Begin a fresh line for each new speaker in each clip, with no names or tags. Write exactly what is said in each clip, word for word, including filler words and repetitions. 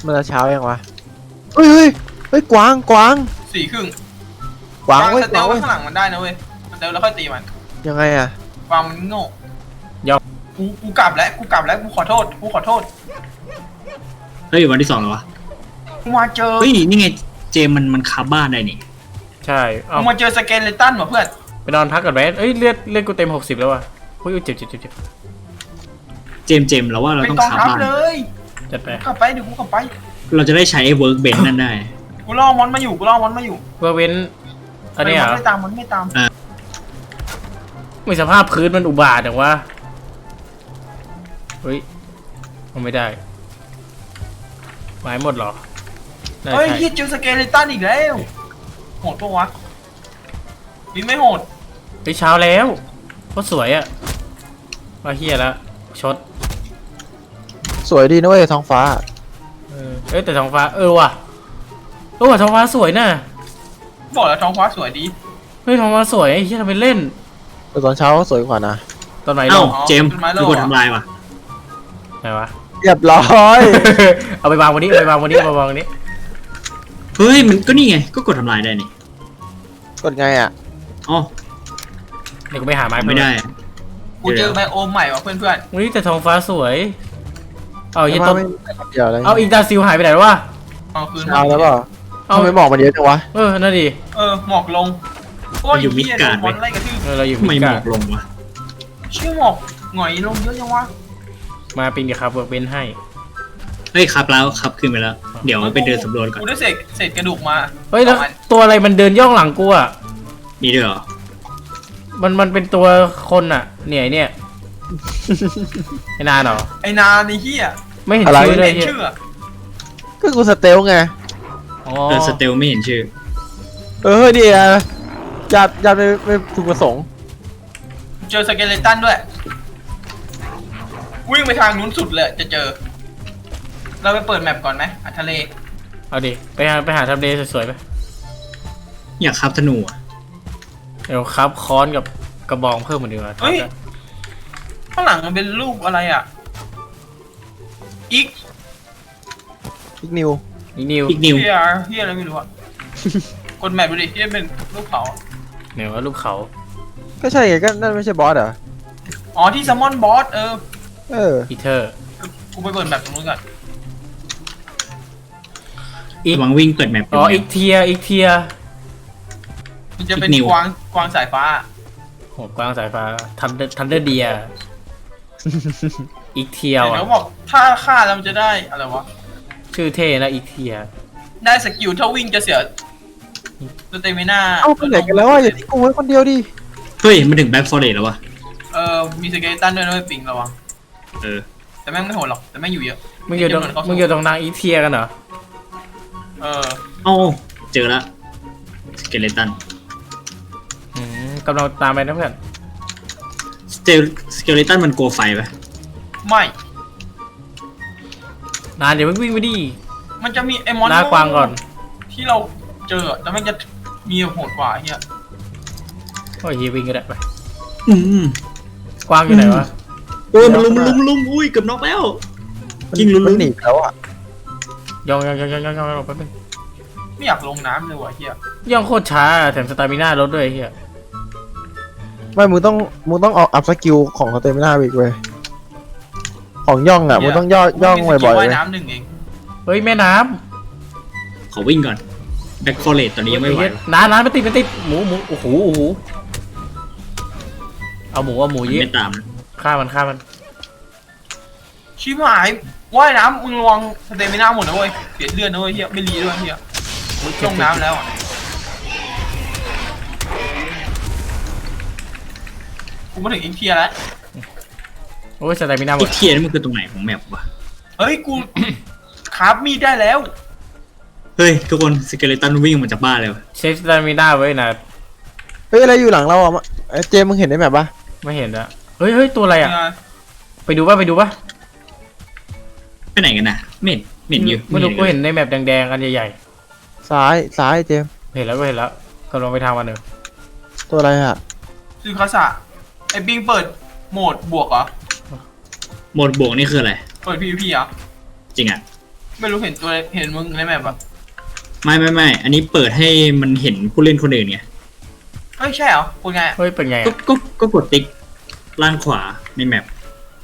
มันจะเช้ายังวะเฮ้ยเฮ้ยเฮ้ยกวางกวาง
สี่ครึ่ง
กวางเว้ย
สเตลไว้ข้างหลังมันได้นะเว้ยสเตลแล้วค่อยตีมัน
ยังไงอะ
กวางมันโง่ยอมกูกูกลับแล้วกูกลับแล้วกูขอโทษกูขอโทษ
เฮ้ยวันที่สองแล้ววะ
กูมาเจอ
เฮ้ยนี่ไงเจมมันมันคาบ้านได้นี่
ใช่
กูมาเจอสเกเลตันว่ะเพื่อน
ไปนอนพักก่อนไหมเอ้ยเลือดเลือดกูเต็มหกสิบแล้วว่ะเฮ้ยเจ็บเจ็บเจ็บเจ็บ
เจมเจมเราว่าเราต้องคาบ้าน
เลย
จัดไป
กลับไปเดี๋ยวกูกลับไป
เราจะได้ใช้เวิร์กเบนนั่นได้
กูล่อมอนมาอยู่กูล่อมอนมาอยู่
เพื่อเว้นอันนี้อ่ะ
ไม่ตามมันไม่ตาม
ไม่สภาพพื้นมันอุบาทแต่ว่าเฮ้ยมันไม่ได้ไม้หมดหรอ
เฮ้ยที่เจอสเกเลตันอีกแล้วโหดปะวะนี่ไม่โหด
ไปเช้าแล้วก็สวยอ่ะมาเฮียแล้วชด
สวยดีนะเว้ยท้องฟ้า
เออเอ้ยแต่ท้องฟ้าเออว่ะเออว่ะท้องฟ้าสวยน่ะ
บอกแล้วท้องฟ้าสวยดี
เฮ้ยท้องฟ้าสวยไอ้เฮียทำเป็นเล่น
แต่ตอนเช้าสวยกว่านะ
ตอนไหน
เอ้าเจมคือกดทำลายว่ะ
ไหนวะ
เรียบร้อย
เอาไปวางวันนี้เอาไปวางวันนี้เอาไปวางวันนี้
เฮ้ยมันก็นี่ไงก็กดทำลายได้นี่
กดไงอ่ะ
อ๋อ
เดี๋ยวกูไปหาไม้
ไม่ได้
กูเจอไบโอมใหม่ว่ะเพื่อนเพื่อน
วันนี้แต่ท้องฟ้าสวยเอายันต้น
เดียวอะไร
เอาอิงดาซิลหายไปไหนวะ
เอาคืน
เอาแล้วเปล่าเอาไม่หมอกมันเยอะจังวะ
เออนั่นดิ
เออหมอกลง
เราอยู่มิดการ์ด
ไล่กระทืบ
เราอยู่มิดการ์ด
หมอกลงวะ
ชื่อหมอกหงอยลงเยอะจังวะ
มาเป็นกับครับเวิร์กเบนให้
เฮ้ยครับแล้วครับขึ้นไปแล้วเดี๋ยวไปเดินสำรวจก่อน
กูได้เศษเศษกระดูกมา
เฮ้ยแล้วตัวอะไรมันเดินย่องหลังกูอ่ะ
มีด้วยเหรอ
มันมันเป็นตัวคนอ่ะเนี่ยเนี่ยไอ้นานเหรอ
ไอ้นานไอ้เหี้ย
ไม่เห็นชื่อเลย
ชื่อ
ก็กูสเตลไง
เออสเตลไม่เห็นชื่อ
เออเดี๋ยวญาติญาติไม่ไม่ถูกประสงค์
เจอสเกเลตันด้วยวิ่งไปทางนู้นสุดเลยจะเจอเราไปเปิดแมปก่อนไหมหาทะเล
เอาดิไปหาไปหาทะเลสวยๆไป
อยากคับธนูอ่ะ
เดี๋ยวครับค้อนกับกระบองเพิ่มมาดีกว่า
เฮ้ยข้างหลังมันเป็นรูปอะไรอ่ะอีก
อีกนิว
อีกนิว
อีกนิว
เฮียเฮียอะไรไม่รู้อ่ะกดแมปดูดิที่เป็นรูปเขา
เนี่ยว่ารูปเขา
ก็ใช่ไงก็นั่นไม่ใช่บอสเหรอ
อ๋อที่ซัมมอนบอสเออ
เออ
อีเทอร์
กูไปเปิดแมปตรงนู้นก่อน
อีกหวังวิ่งเปิดแมป
อ๋ออีกเทียอีกเทีย
มันจะเป็นกวางกวางสายฟ้า
โหกวางสายฟ้าทันเดอร์ทันเดอร์เดียอีกเทียวอ่ะ
เดี๋ยวบอกถ้าฆ่าแล้วมันจะได้อะไรวะ
ชื่อเท่นะอีกเทีย
ได้สกิลถ้าวิ่งจะเสียสเตมิน่า
เอาไปไหนกันแล้วอ่ะอย่าทิ้งกูไว้คนเดียวดิ
เฮ้ยมันถึงแบ็คฟอร์เรสแล้ววะ
เออมีสเกเลตันด้วยนะปิงระวัง
เออ
แต่แม่งไม่โหดหรอกแต่แม่งอยู่เยอะ
มึงอยู่ตรงมึงอยู่ตรงนางอีเทียกันเหรอ
เออ
โอ้เจอแล้วสเกเลตัน
อืมกำลังตามไปนะเพื่อน
สเตลสเกเลตันมันกลัวไฟปะ
ไม่
นานเดี๋ยวมึงวิ่งไปดิ
มันจะมีไอ้มอน
หน้ากวางก่อน
ที่เราเจอแล้วมันจะมีโหดกว่าเฮีย
โอ้ยวิ่งก็ได้ไป
อืม
กวางอยู่ไหนวะ
เออมันลุมลุมลุมอุ้ยเกือบน็อกแล้วยิงลุมลุม
หนีแล้วอ่ะ
ยองยองยองยองยองยองไปเป็น
ไม่อยากลงน้ำเลยว่ะเฮีย
ย่องโคตรช้าแถมสตามิน่าลดด้วยเฮีย
ไม่มึงต้องมึงต้องออกอัพสกิลของสเตมิน่าอีกเว้ยของย่องอ่ะมึงต้องย่อย่องบ่อยๆเลย
น้ำหนึ่งเอง
เฮ้ยแม่น้
ำขอวิ่งก่อนแบ็คฟอร์เรสตอนนี้ยังไม่ไหว
น้ำน้ำไม่ติดไม่ติดหมูหมูโอ้โหโอ้โหเอาหมูเอาหมูเยอะ
ไม่ตาม
ฆ่ามันฆ่ามัน
ชิบหายว่ายน้ำมึงระวังสเตมิน่าหมดนะเว้ยเสียเลือดนะเว้ยเฮียไม่รีด้วยเฮียลงน้ำแล้วกูมาถึงอินเทียแล้ว
โอ้ยสเตมิน่าหมด
อินเทียนี่มันคือตรงไหนของแมปวะ
เฮ้ยกูคราฟมีดได้แล้ว
เฮ้ยทุกคนสเกเลตันวิ่งมาจากบ้านเลย
เชฟสเตมิน่าไว้นะ
เฮ้ยอะไรอยู่หลังเราอ่ะเจมมึงเห็นได้ไหมปะ
ไม่เห็นอะเฮ้ยเฮ้ยตัวอะไรอ่ะไปดูป่ะไปดูป่ะ
ไปไหนกันนะเม็ดเม็ดอยู่
ไม่รู้กูเห็นในแมปแดงๆกันใหญ่
ๆซ้ายซ้ายเจม
เห็นแล้วก็เห็นแล้วกำลังไปทางวันหนึ่ง
ตัวอะไรอ่ะ
ซื้อคาสะไอ้ปิงเปิดโหมดบวกเหรอ
โหมดบวกนี่คืออะไร
เปิด พี วี พี อ่ะ
จริงอ่ะ
ไม่รู้เห็นตัวเห็นมึงในแมปอะ
ไม่ไม่ไม่อันนี้เปิดให้มันเห็นผู้เล่นคนอื่นไง
เฮ้ยใช่เหรอคุณไง
เฮ้ยเป็นไง
ก็
อะ
ก็ก็กดติ๊กล่างขวาในแมป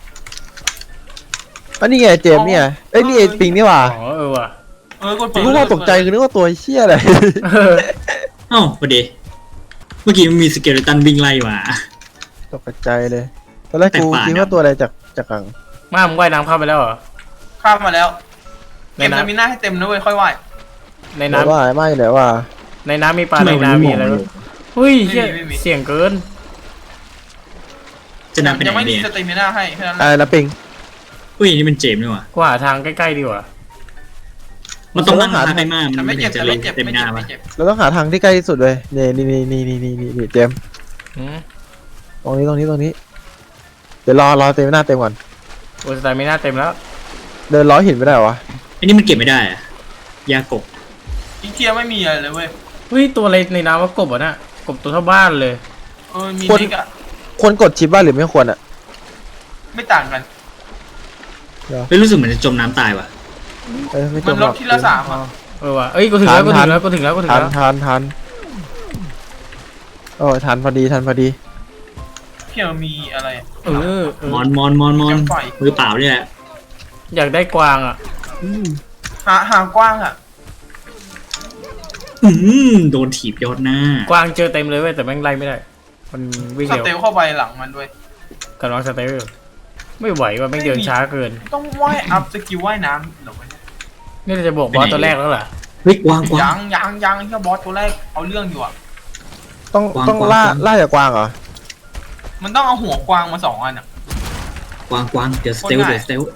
อันนี้ไงเจมส์เนี่ยเอ้ยนี่ไอ้ปิงนี่หว่า
อ๋อเออว่ะ
เออกด
ผ
เปิ
ม
ด
ก็ว่าตกใจคือนึกว่าตัวเชี่ยอะไร
เออ
เอ้าประเดี๋ยวเมื่อกี้มันมีสเกเลตันวิ่งไล่มา
ตกใจเลยตอนแรกกู
แต่ป่า
คิด
นะ
ว่าตัวอะไรจากจากกัง
มามึงว่ายน้ำเข้าไปแล้วเหรอ
ข้ามมาแล้ว
ใน
เก็บ
น้ำ
สมิน่าให้เต็มนะเว้ยค่อยไหว
ใน
แต่
น้ำ
ว่าไม่เลยว่า
ในน้ำมีปลา
ทำไม
ใน
มัน
น้ำ
ไม่
มี
มอง
อะไร
เล
วะ
ย
เฮ้ยเหี้ยเสียงเกิน
จะนำไปไห
ยัง
น
ไม่มี
เนี่ย
สเตมิน่าให้แค่นั้นแห
อะไร
ละ
นะปิง
อุ้ยนี่มันเจมส์นี่หว่า
กูหาทางใกล้ๆดีกว่า
มันต้องนั่ง
หา
ทางไกลมาก
แต่
มัน
ไม่
ไม่
เจ็
ถึ
บ
ง
แต่
จะล
ไม่
ง
เจ็บ
เต็ม
ไม่
หน้า
เจ็บ
มา
ไม่เจ็บ
เราต้องหาทางที่ใกล้ที่สุดเลยนี่นี่นี่นี่นี่นี่นี่นี่เจมส์
อืม
ตรงนี้ตรงนี้ตรงนี้เดี๋ยวรอรอเต็มหน้าเต็มก่อน
โอ้ยสไตล์ไม่น่าเต็มแล้ว
เดินล้อหินไม่ได้เหรอวะ
อันนี้มันเก็บไม่ได้อะยากบ
อีเทียไม่มีอะไรเลยเว้ย
เฮ้ยตัวอะไรในน้ำว่ากบอ่ะน่ะกบตัวเท่าบ้านเลย
เออมีนิกอะ
ควรกดชิปบ้างหรือไม่ควรอ่ะ
ไม่ต่างกัน
ไม่รู้สึกเหมือนจะจมน้ำตายว่ะ
เออไม่จ
มัน
ม
ล
หร
ด
อก
ทีละสามอะ
เออว่ะเอ้ยกูถึงแล้วกูถึงแล้วกูถึงแล้วกูถึง
ทัน
แล้ว
ทันทันโอ้ยทันพอดีทันพอดี
เพียมีอะไรอะ
เออเออ
มอนมอนมอนมอนมือเปล่าเนี่ยแหละ
อยากได้กวางอ่ะ
หาหากว้างอะ
อืมโดนถีบยอดหน้าก
วางเจอเต็มเลยเว้ยแต่แม่งไล่ไม่ได้ มันวิ่ง
ส
เร็ว
เตลเข้าไปหลังมันด้วย
กำลังสเตลไม่ไหวว่ะแม่งเดินช้าเกิน
ต้องว่ายอัพสกิลว่ายน้ำเหรอวะเนี่ย
นี่เราจะบอกบอสตัวแรกแล้วเหรอ
เฮ้ยกวางกวา
ยัง งยังยังแค่บอสตัวแรกเอาเรื่องอยู่อะ
ต้อง
กวาง
ต้อง
กวาง
ล่าก
วาง
ล่าจากกวางเหรอ
มันต้องเอาหัวกวางมาสองอันอะ
กวางกวางเดี๋ยวสเตล
คนไหน
เดี๋ยวสเตล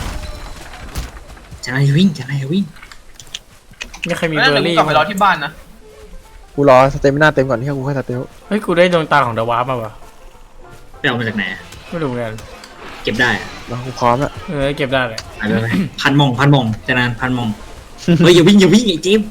จะอะไรวิ่งจะอะไรวิ่ง
นี่ใครมี
แล้ว
เบอ
เดี๋ยว
ร์
กู
รี่
กลับไปรอที่บ้านนะ
กูรอสเตมิน่าเต็มก่อนที่กูค่อยสเตล
เฮ้ยกูได้ดวงตาของเดอะวาร์ปมาว่ะ
ไปเอามาจากไหนอะ
ไม่รู้เหมือนกัน
เก็บได้อะ
มากูพร้อมแล้ว
เออเก็บได้เลย
ไปไปไปพันมองพันมองจะนานพันมองเฮ้ยอย่าวิ่งอย่าวิ่งไอ้จิ๊บ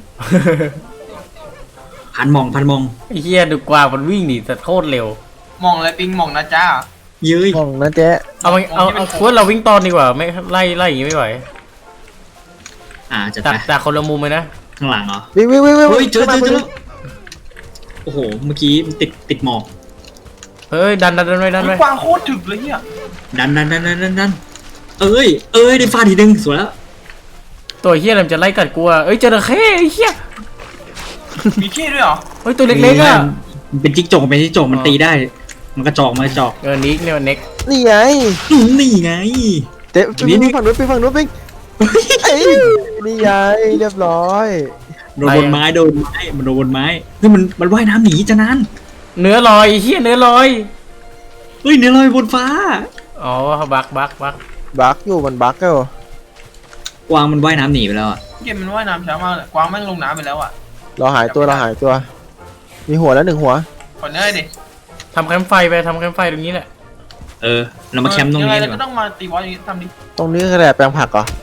พันมองพันมอง
ไอ้เหี้ยดูกวางมันวิ่งดิแต่โคตรเร็ว
มองอะไรปิงมองนะจ้า
เย้ย
มองนะเจ๊
เอามันเอาเอาควรเราวิ่งตอนดีกว่าไม่ไล่ไล่อย่างงี้ไม่ไหว
อ่าจะ
จาก
ไป
จากคนละมุมเลยนะ
ข้างหลังเหรอ
วิ่งวิ่งวิ่งวิ่ง
เฮ้ยเจอเจอเจอ
วิ่ง
โอ้โหเมื่อกี้มันติดติดหมอก
เฮ้ยดันดันดันไว้ดัน
เฮ้
ไว้
ยกวางโคตรถึกเลยเนี่ย
ดันดันดันดันดันดันเอ้ยเอ้ยได้ฟาดทีนึงสวยแล้ว
ตัวเหี้ยอะไรมันจะไล่กัดกูอ่ะเอ้ยจระเข้ไอ้เหี้ย
มีขี้ด้วยเหรอ
เฮ้ยตัวเล็กๆอ่ะ
มันเป็นจิ๊กจกเป็นจิ๊กจกมันตีได้ มันกระจอกมันกระจอก
เออนิกเนี่ยเน็ก
นี่ไง
อืมนี่ไง
เจ๊
นี่
ปิง
นี่
ฝั่งนู้นปิงฝั่งนู้นปิงเอ้ยนี่ไงเรียบร้อย
โดนบนไม้โดนไม้มันโดนบนไม้เฮ้ยมันมันว่ายน้ำหนีจะนั้น
เนื้อลอยไอ้เหี้ยเนื้อลอย
เฮ้ยเนี่ยลอยบนฟ้า
อ๋อบักบักบัก
บักอยู่มันบักก็
กวางมันว่ายน้ำหนีไปแล้วอะ
เกมมันว่ายน้ำช้ามากเลยกวางแม่งลงน้ำไปแล้วอะ
เราหายตัวเราหายตัว มีหัวแล้วหนึ่งหัว
ขอเนยดิ
ทำแคมป์ไฟไปทำแคมป์ไฟตรงนี้แหละ
เออเรามาแคมป์ตรง
ยังไง
นี้
เรา
ดีก
ก็
ว่า
ต้องมาตีบอสอย่างนี้ทำดิ
ตรงนี้คืออะไรแปลงผักเหรอ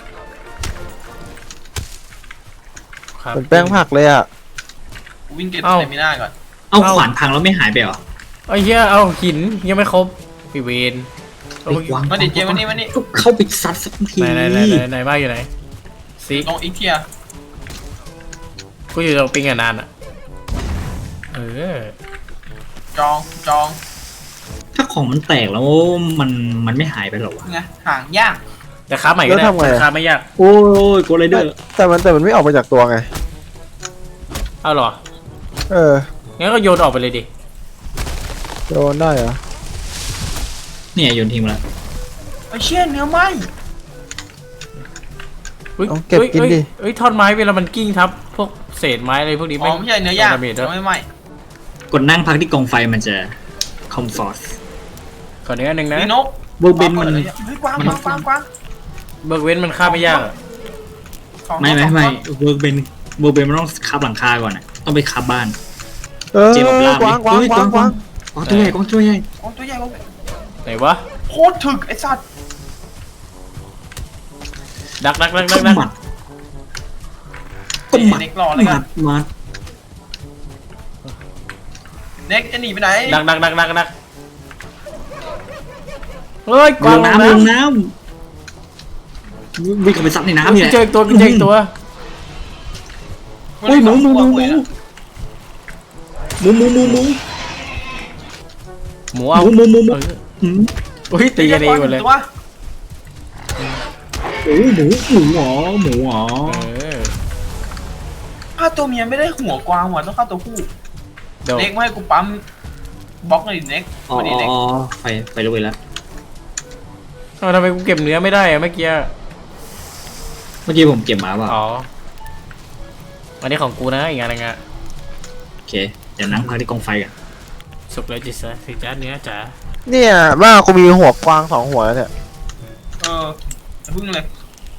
ครับ
เหมือนแปลงผักเลยอ่ะ
กูวิ่งเก็บ
เอ้า
สเตมิน่าก่อน
เอ้าขวานพังแล้วไม่หายไปเหรอ
ไอ้เหี้ยเอาหินยังไม่ครบพี่เวนเอา
ไอ้กวาง
มาดิเจวันนี้วันนี้
ก็เข้าไปซัดสักที
ไหนไหนไหนไหนไหนบ้านอยู่ไหนซิก
ลงอีกเทีย
กูอยู่ตรงปิงอ่ะนานอ่ะเออ
จองจอง
ถ้าของมันแตกแล้วมันมันไม่หายไปหรอวะ
ไงห่างย่าง
แต่ค้าใหม่ก็ได้แต่ค้าไม่ยาก
โอ้ยโกไรเดอร์
แต่มันแต่มันไม่ออกมาจากตัวไง
เอาเหรอ
เออ
งั้นก็โยนออกไปเลยดิ
โดนได้เหรอ
เนี่ยโยนทิ้งมาแล้ว
ไอ้เชี่ยเนื้อไหม
ฮ้ย
เอาเก็บกินดิ
เฮ้ยเฮ้ยท่อนไม้เวลามันกิ้งทับพวกเศษไม้อะไรพวกนี้
อ๋อไม่ใช่เนื้อย่าง
ดาเมจด้
เนื้
ว
อย ไม่ไหม
กดนั่งพักที่กองไฟมันจะคอมฟอร์ต
ขอเนื้อหนึ่งนะ
มีนก
เบอร์เบนมัน
เฮ้ยกวางกวางกวางกวาง
เบิกเว้นมันฆ่าไม่ยากอะ
สอง
ไม่ไม่
สอง
ไม่
ตัว
เวิร์กเบนเวิร์กเบนมันต้องคับหลังคาก่อนอ่ะต้องไปคับบ้าน
เออ
เจมส์บอกลาก
วาง
ไหม
กวาง
เฮ้ย
กวาง
ก
ก
วาง
วาง
กวางตัวใหญ่กวางตัวใหญ่
โอ้ตัวใหญ่กว่า
ไหนวะ
โคตรถึกไอ้สัตว์
ดักดักดัก
ก็
ดักดัก
หมัดก็หมัด
เน็กรอเลย
ห
กั
มั
น
ดหมัด
เน็กจะหนีไปไหน
ดักดักดักดักดักเฮ้ยก
ล
วาง
ง
ลง
น้ำลง
น้ำ
น้วิ่งเข้าไปซัดในน้ำเนี่ย
เจออีกตัวเจออีกตัว
โอ้ยหมูหมูหมูหมูหมูหมูหมูหมู
หมู
ห
เอา
มูหมูหมูหมู
เออ
อืม
อุ้ยตีกันเองหมดเลย
ตัว
โอ้หมูหมูหรอหมูหรอ
เออ
ฆ่าตัวเมียไม่ได้หัวกวางว่ะต้องฆ่าตัวผู้
เดี๋ยว
เน็กไม่ให้กูปั๊มบล็อกเลยดิเน็ก
อ๋อ
มาดิเน็ก
อ๋อไปไปรู้ไปแล้ว
เอาทำไมกูเก็บเนื้อไม่ได้อะเมื่อกี้
เมื่อกี้ผมเก็บมาเปล่า
อ๋ออันนี้ของกูนะอีกอันนึงอะ
โอเคเดี๋ยวนั่งพักที่กองไฟกัน
สุกเลยจิตซะสิจ้าเนื้อจ๋า
เนี่ยบ้ากูมีหัวกวางสองหัวแล้วเนี่ย
เอออย่าพึ่งเลย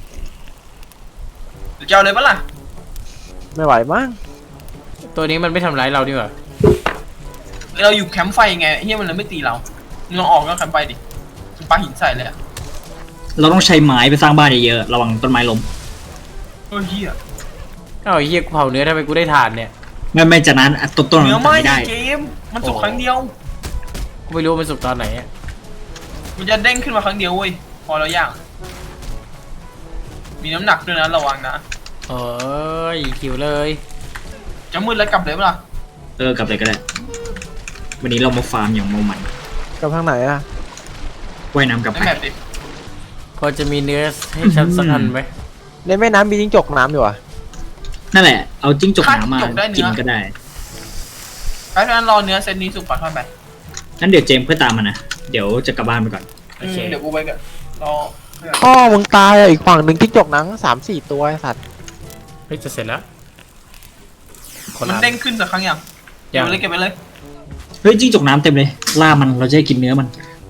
เดี๋ยวจะเอาเลยปะล่ะ
ไม่ไหวมั้ง
ตัวนี้มันไม่ทำร้ายเราดีกว่า
เราอยู่แคมป์ไฟไงเฮียมันเลยไม่ตีเรามึงลองออกก็แคมป์ไฟดิมึงปาหินใส่เลยอะ
เราต้องใช้ไม้ไปสร้างบ้านเยอะๆระวังต้นไม้ล้ม
เออเฮีย
เอ้าไอ้เฮียกูเผาเนื้อทำไมกูได้ทานเนี่ย
ไม่ไม่จากนั้นอ่ะต้นต้น
เนื้อ
มัน
ไหม้
ไม่
ใน
ได้
เกมมันสุกครั้งเดียว
กูไม่รู้มันสุกตอนไหนอะ
มันจะเด้งขึ้นมาครั้งเดียวเว้ยพอเราย่างมีน้ำหนักด้วยนะระวังนะ
เอ้ยคิวเลย
จะมืดแล้วกลับเลยปะล่ะ
เออกลับเลยก็ได้วันนี้เรามาฟาร์มอย่างเมามัน
กับทางไหนอะ
ว่ายน้ำกลับ
ใน
ไป
แมปดิ
พอจะมีเนื้อให้ฉันสักอันไหม
ในแม่น้ำมีจิ้งจกน้ำอยู่อะ
นั่นแหละเอาจิ้งจกน้ำมากินก็ได้
ไปเพราะนั้นรอเนื้อเซตนี้สุกก่อนค่อยไป
งั้นเดี๋ยวเจมส์เพื่อตามมานะเดี๋ยวจะกลับบ้านไปก่อน
โอเค
อืมเดี๋ยวกูไปกันรอเพื่อน
พ่อมึงตายอะอีกฝั่งหนึ่งจิ้งจกหนังสามสี่ตัวไอ้สัตว์
เฮ้ยจะเสร็จแล้วคน
มัน
ละ
เด้งขึ้นสักครั้งยังเก็บ
ยัง
ไปเลยเก็บไปเลย
เฮ้ยจิ้งจกน้ำเต็มเลยล่ามันเราจะได้กินเนื้อมัน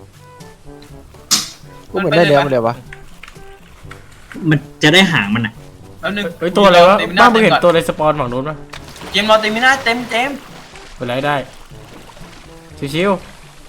กูเหมือนได้เนื้อมาเลยวะ
มันจะได้หางมันอ่ะ
แป๊บนึง
เฮ้ยตัวอะไรวะ
เต็มห
บ้า
น้า
มึง
เต็ม
เห็น
ก่อน
ตัวในสปอนฝั่งนู้นปะ
เจมส์รอเต็มไม่น่าเต็มเจมส์
เป็นไรได้ชิว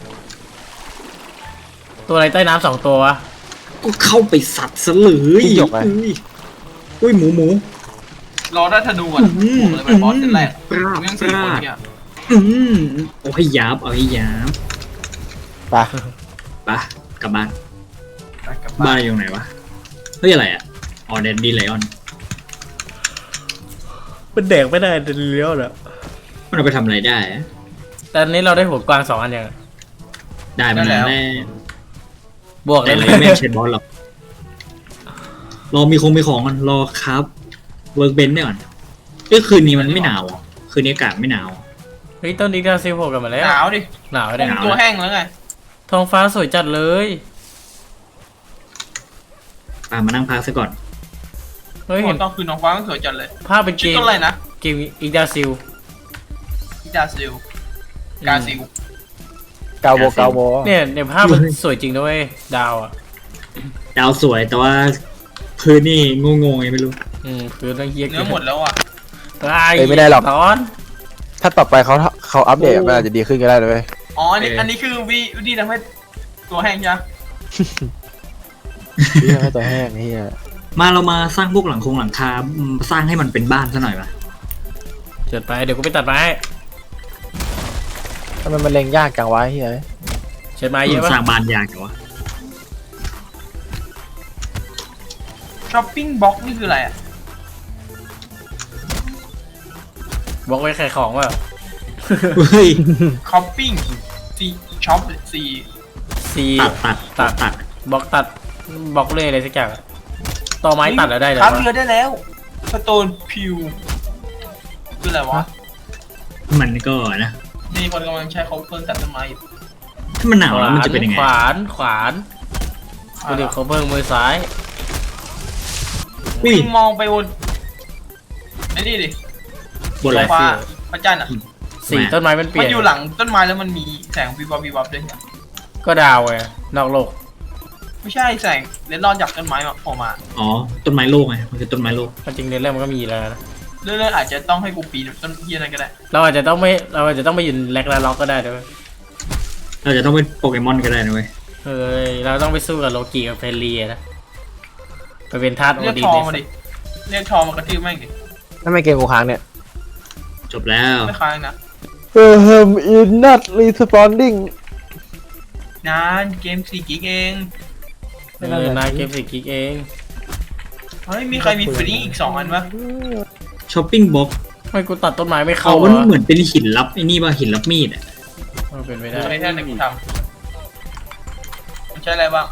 ๆตัวอะไรใต้น้ำสองตัววะ
ก็เข้าไปสัตว์ซะเลยอุ้ยหมูหมู
รอได้ธนูอ่ะ
อืม
บอกเลยเป็นบอสเซตแรก
ปราบ
กูยัง
ป
สี่ค
ราน บ
เนี่ย
อืมเอาให้ยับเอาให้ยับ
ไป
ไปกลับบ้าน
ไปกลับ
บ้า
บ้าน น
อยู่ไหนวะเฮ้ยอะไรอ่ะอ๋อเดนดีไลออน
เป็นเด็กไม่ได้เลี้ยวเหรอ
มันเอาไปทำอะไรได้อะ
แต่อันนี้เราได้หัวกวางสองอันยัง
ได้มานานแล้ว
บวก
แต่
ได้
อะไร
ไหม
ไม่ใช่บอสหรอกรอมีคงมีของกันรอครับเวิร์กเบนเนี่ยก่อนเอ้ยคืนนี้มันไม่หนาวอ่ะคืนนี้อากาศไม่หนาว
เฮ้ยต้นนี้เราซิลโผล่กันมาแล้ว
หนาวดิ
หนาว
ผ
ได้
ม
หนาว
ตัวแห้งแล้วไง
ท้องฟ้าสวยจัดเลย
อ่ะมานั่งพักซะก่อน
เฮ้ย
ต
เห็น
อนคืนน้องฟ้ามันสวยจัดเลย
ภาพเป็นเก
ชื่อ
ม
ต้นอะไรนะ
เกมอีกดาซิล
อิดาซิลกาซิล
เกาโบเกาโบ
เนี่ยในภาพมันสวยจริงด้วยดาวอ่ะ
ดาวสวยแต่ว่าพื้นนี่งงๆไงไม่รู้
อืมคือต้องเฮีย
เนื้อหมดแล้วอ่ะ
ตาย
เอ้ยไม่ได้หรอก
ตอน
ถ้าต่อไปเขาเขาอัปเดตมันอาจจะดีขึ้นก็ได้เลยเว้ย
อ๋ออันนี้อันนี้คือวิวิธีทำให้ตัวแห้งใช่ไหม
เรื่องให้ตัวแห้งเฮีย
มาเรามาสร้างพวกหลังคงหลังคาอืมสร้างให้มันเป็นบ้านซะหน่อยปะ
เจิดไปเดี๋ยวกูไปตัดไม้
ทำไมมันเล็งยากจังวะเฮีย
เชิดไม้เยอะปะ
สร้างบ้านยากเหรอวะ
ช้อปปิ้งบ็อกนี่คืออะไรอ่ะ
บอกไว้ขายของว่า
เฮ้ย
ช้อปปิ้งซีช็อปซี
ซี
ตัดตัดตัดตัด
บล็อกตัดบล็อกเลยอะไรสักอย่างอะต่อไม้ตัดแล้วได้เลย
ครับ
วะ
เรือได้แล้วสโตนพิวคืออะไรวะ
มันก็นะ
มีคนกำลังใช้เขาเพิ่งตัดต้นไม้อยู่
ถ้ามันหนาวแล้วมันจะเป็นยังไง
ขวานขวานกูเดี๋ยวเขาเพิ่งมือซ้าย
อุ้ย
มองไปบนไอ้นี่ดิ
บนอะไร
ฟ้าพระจันทร์อ่ะ
สีต้นไม้มันเปลี่
มั
ย
น
น
อยู่หลังต้นไม้แล้วมันมีแสงวิบวับวิบวับด้วยเนี่ย
ก็ดาวไงนอกโลก
ไม่ใช่แสงเลนรอนจากต้นไม้มาโผล่มา
อ๋อต้นไม้โลกไงมันคือต้นไม้โลก
จริงๆในเรื่องมันก็มีแล้วนะ
เรื่อยๆอาจจะต้องให้กูปีนต้นเฮียอะไรก็ได้
เราอาจจะต้องไม่เราอาจจะต้องไปยืนแลกและล็อกก็ได้ด้วย
เราจะต้องเป็นโปเกมอนก็ได้นะเว้ย
เฮ้ยเราต้องไปสู้กับโลกีกับเฟรลีนะไปเป็นทาสโอ
เรียก
ดี
ทอ
ใน
มาดิเรียกทอมากระทืบแม่งดิ
ทำไมเกมกูค้างเนี่ย
จบแล้ว
ไม่ค้างนะ
เออเฮิมอินนัทรีสปอนดิ้ง
นานเกมสี่กิกเอง
เออนายเกมสิกิกเอง
เฮ้ยมีใครมีฟรีอีกสองอันปะ
ช้อปปิ้งบ็อก
ทำไมกูตัดต้นไม้ไม่
เขา
เข้า
มัน
วะ
เหมือนเป็นหินลับไอ้นี่ป่ะหินลับมีดอ่ะ
มันเป็นไป
ดู
ได้
ในแท่นไหนกูทำมันใช้อะไรบ้าง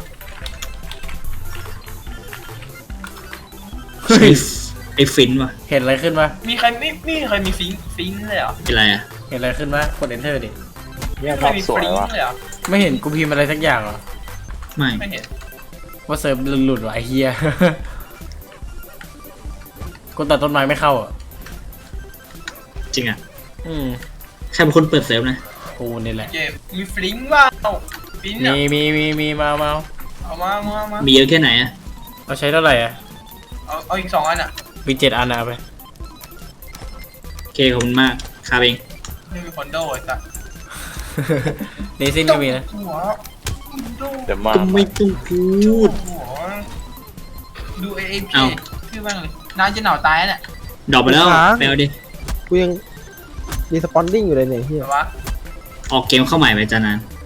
เฮ้ย
ไอ้ฟินว่ะ
เห็นอะไรขึ้นปะ
มีใครไม่ไม่มีใครมีฟิงฟิงเลยเหรอ
เป็นไรอ่ะ
เห็นอะไรขึ้นปะกด enter ดิ
เนี่ย
ไม่
ภาพ
มี
สว
ฟิ
ย
ง
ว่ะ
เลยเหรอ
ไม่เห็นกูพิมพ์อะไรสักอย่างเหรอ
ไม่
ไม่เห็น
ว่าเซิร์ฟหลุดๆว่ะไอ้เฮีย กูตัดต้นไม้ไม่เข้าอ่ะ
จริงอ่ะ
อืม
ใครเป็นคนเปิดเซิร์ฟนะ
กูนี่แหละ
เกมมีฟิงบ้างฟิง
มี
อ่ะ
มีมีมีมามา
เอามาเอามาเอามา
มีเยอะแค่ไหนอ่ะ
เราใช้เท่าไหร่อ่ะ
เอาเอาอีกสองอันอ่ะ
มีเจ็ดอันนะเอาไป
โอเคขอบคุณมากคาเอง
ไม่มีคอนโดไอ้สัส
เนซินก็มีนะ
หัวคอนโด
เดี๋ยวมา
ก็ไม่ต้องพูด
หัวดูเอเอพี
เอ้า
ชื่อบ้างเลยน้าจะหนาวตายเนี่ย
ดรอปไปแล้วไปเอาดิ
กูยังรีสปอนดิ้งอยู่เลยเนี่ยเฮีย
แต่ว่า
ออกเกมเข้าใหม่ไปจานาน